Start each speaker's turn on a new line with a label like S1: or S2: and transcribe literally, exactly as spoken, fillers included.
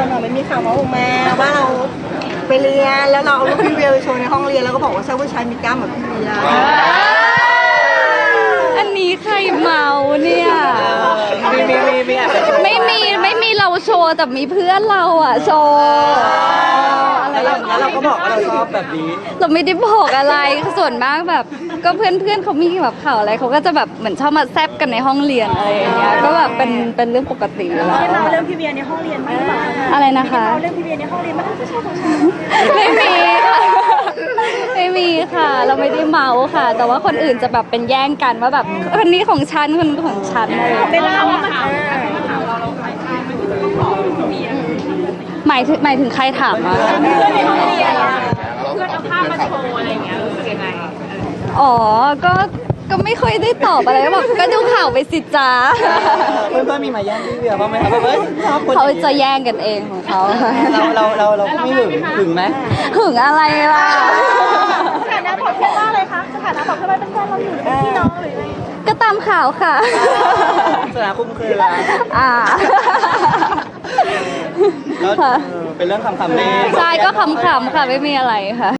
S1: าวหน่อยมันมีข่าวมาออกมาว่าเราไปเรียนแล้วเราเอารูปพี่เวียไปโชว์ในห้องเรียนแล้วก็บอกว่าใช่ผู้ชายมีกล้ามแบบพี่เวีย
S2: อันนี้ใครเมาเนี่ย
S3: มีมีมีมีแอบไปโชว์
S2: ไม่มีไม่มีเราโชว์แต่มีเพื่อนเราอ่ะโชว์อะไร
S3: แล้ว
S2: อ
S3: เรา
S2: ย่าง
S3: แล้ว
S2: เงี้ย
S3: เราก็บอกว่าเราชอบแบบนี้
S2: เราไม่ได้บอกอะไรส่วนมากแบบ ก็เพื่อนเพื่อนๆเขามีแบบข่าวอะไรเขาก็จะแบบเหมือนชอบมาแซบกันในห้องเรียนอะไรอย่างเงี้ยก็แบบเป็นเป็นเรื่องปกติอยู่แล้ว
S1: เราเรื่องพี่เวียในห้องเรียนบ้างหรือเปล่า
S2: อะไรนะคะ
S1: เราเรื่องพี่เวียในห้องเรียนบ้างผู้ชายของฉัน
S2: ไม่มีค่ะไม่มีค่ะ เราไม่ได้เมาค่ะ แต่ว่าคนอื่นจะแบบเป็นแย่งกันว่าแบบคนนี้ของฉันคนนี้ของฉันอะไรอย่าง
S1: ไม่
S2: เงี้ย
S1: เล่าว่ามัน
S2: หมายถึงหมายถึงใครถามอ่ะ
S1: เพื่อนในห้องเรียน
S4: เพื่อนเอาภาพมาโชว์อะไรอย่างเงี้ยรู้สึกยังไง
S2: อ๋อก็ก็ไม่ค่อยได้ตอบอะไรก็แบบก็ดูข่าวไปสิจ้า
S3: เพื่อนเพื่อนๆมีมาแย่งพี่เวียบ้างไหมครับแบบเอ้ยชอบคน
S2: เขา
S3: อย่งนี้
S2: จะแย่งกันเองของเขา
S3: เราเราเราเราไม่หึงหึงไหม
S2: หึงอะไรล่ะ
S1: สถานะของเพื่อนว่าอะไรคะสถานะของเพื่อนว่าเป็นแฟนเราอยู่หรือเป็นพี่น้องหรืออะไร
S2: ก็ตามข่าวค่ะ
S3: สถานะคุ้มเครือแล้ว
S2: อ่า
S3: แล้ว
S2: ค่ะ
S3: เออเป็นเรื่องคำๆนี่
S2: ใช่ก็ขำๆค่ะไม่มีอะไรค่ะ